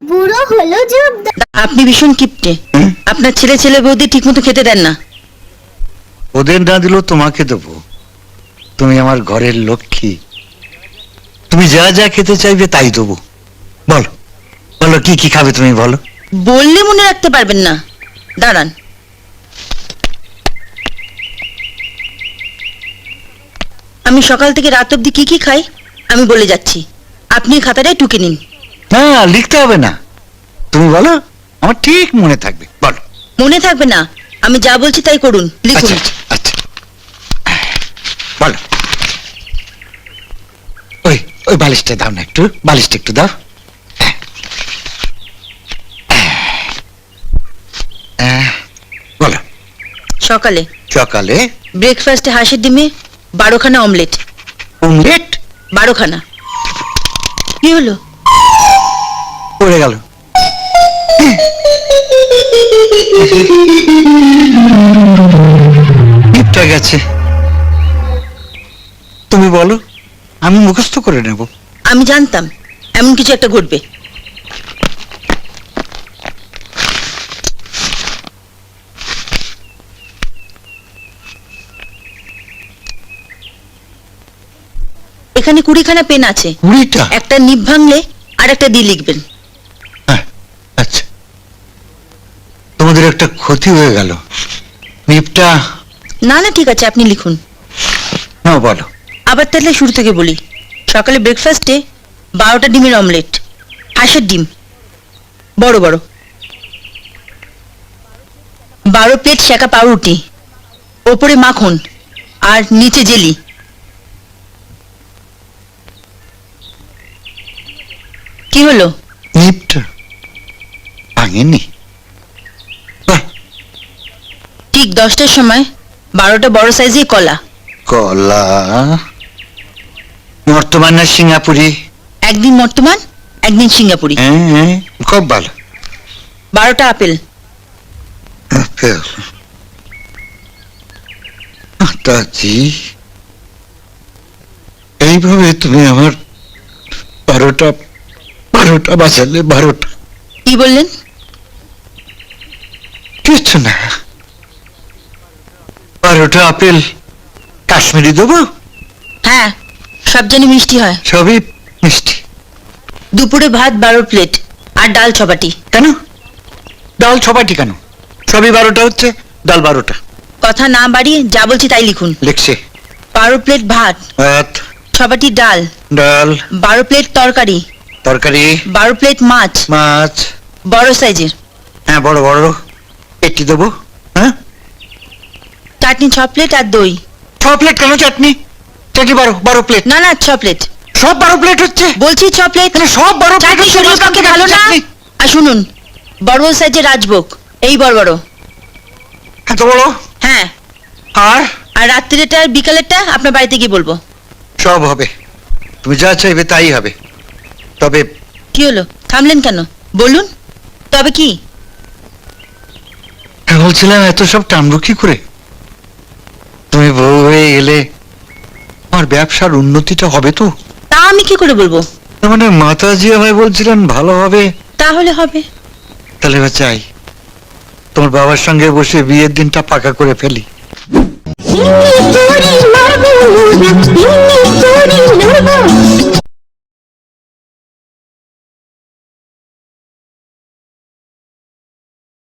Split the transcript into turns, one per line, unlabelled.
বুড়ো হলো জোরদার।
আপনি ভীষণ কিপটে। আপনার ছেলে ছেলে বৌদি ঠিক মতো খেতে দেন না।
ওদের না দিলেও তোমাকে দেবো। তুমি আমার ঘরের লক্ষ্মী, তুমি যা যা খেতে চাইবে তাই দেবো। বলো বলো কি কি খাবে তুমি বলো।
বললে মনে রাখতে পারবেন না, দাঁড়ান। আমি সকাল থেকে রাত অব্দি কি কি খাই আমি বলে যাচ্ছি, আপনি খাতাটায় টুকে নিন।
না লিখতে হবে না, তুমি বলো, আমার ঠিক মনে থাকবে। বলো।
মনে থাকবে না, আমি যা বলছি তাই করুন, লিখুন।
আচ্ছা আচ্ছা আচ্ছা, বলো। ওই ওই বালিশটা দাও না, একটু বালিশটা একটু দাও। বলো।
সকালে
সকালে
ব্রেকফাস্টে হাঁসের ডিমে 12খানা অমলেট।
অমলেট
12খানা। কি হলো?
পড়ে গেল। টিপটা গেছে। তুমি বলো, আমি মুখস্থ করে নেব।
আমি জানতাম এমন কিছু একটা ঘটবে। এখানে 20খানা পেন আছে।
20টা?
একটা নিভ ভাঙলে আর একটা দিয়ে লিখবেন।
হ্যাঁ, আচ্ছা। তোমাদের একটা ক্ষতি হয়ে গেল। নিপটা
না না ঠিক আছে, আপনি লিখুন।
না, বলো।
আবার তাহলে শুরু থেকে বলি। সকালে ব্রেকফাস্টে 12টা ডিমের অমলেট, হাঁসের ডিম বড় বড়, 12 প্লেট সেকা পাউরুটি, ওপরে মাখন আর নিচে জেলি। কি হলো?
নিপটা ভাঙেনি। বাহ,
ঠিক 10টার সময় 12টা বড় সাইজের কলা।
কলা বর্তমান না সিঙ্গাপুরি?
একদিন বর্তমান, একদিন সিঙ্গাপুরি।
হ্যাঁ, খুব ভালো।
12টা আপেল।
আপেল। মাতাজি, এইভাবে তুমি আমার 12টা বাজালে। 12টা
কি বললেন?
কিছু না। 12টা আপেল কাশ্মীরি দেবো?
হ্যাঁ, সব জানি মিষ্টি হয়।
সবই মিষ্টি।
দুপুরে ভাত 12 প্লেট আর ডাল 6 বাটি।
কেন ডাল 6 বাটি কেন? সবই 12টা হচ্ছে, ডাল 12টা।
কথা না বাড়িয়ে যা বলছি তাই লিখুন।
লিখছে।
12 প্লেট ভাত,
ভাত,
6 বাটি ডাল,
ডাল,
12 প্লেট তরকারি,
তরকারি,
12 প্লেট মাছ
মাছ।
বড় সাইজের,
হ্যাঁ, বড় বড় একটি দেবো। হ্যাঁ,
চাটনি 6 প্লেট আর দই।
6 প্লেট কেন চাটনি? চাটনি 12 প্লেট।
না না 6 প্লেট
সব 12 প্লেট হচ্ছে?
বলছি, 6 প্লেট।
এখানে সব 12 প্লেট
চাটনি
হচ্ছে?
শরীরের পক্ষে ভালো না।
চাটনি
আর শুনুন, বড় বড় সাইজের রাজভোগ, এই বড় বড়।
এত বড়?
হ্যাঁ,
আর
আর রাত্রিটা আর বিকালেরটা আপনার বাড়িতে গিয়ে বলবো।
সব হবে, তুমি যা চাইবে তাই হবে। তবে
কি হলো, থামলেন কেন? বলুন, তবে কি?
বলছিলাম, এত সব টানবো কি করে? তুমি বউ হয়ে এলে আমার ব্যবসার উন্নতিটা হবে তো?
তা আমি কি করে বলবো?
তার মানে মাতাজি আমায় বলছিলেন ভালো হবে।
তাহলে হবে।
তাহলে এবার চাই তোমার বাবার সঙ্গে বসে বিয়ের দিনটা পাকা করে ফেলি।
হিন্দি তোরে মারবো না,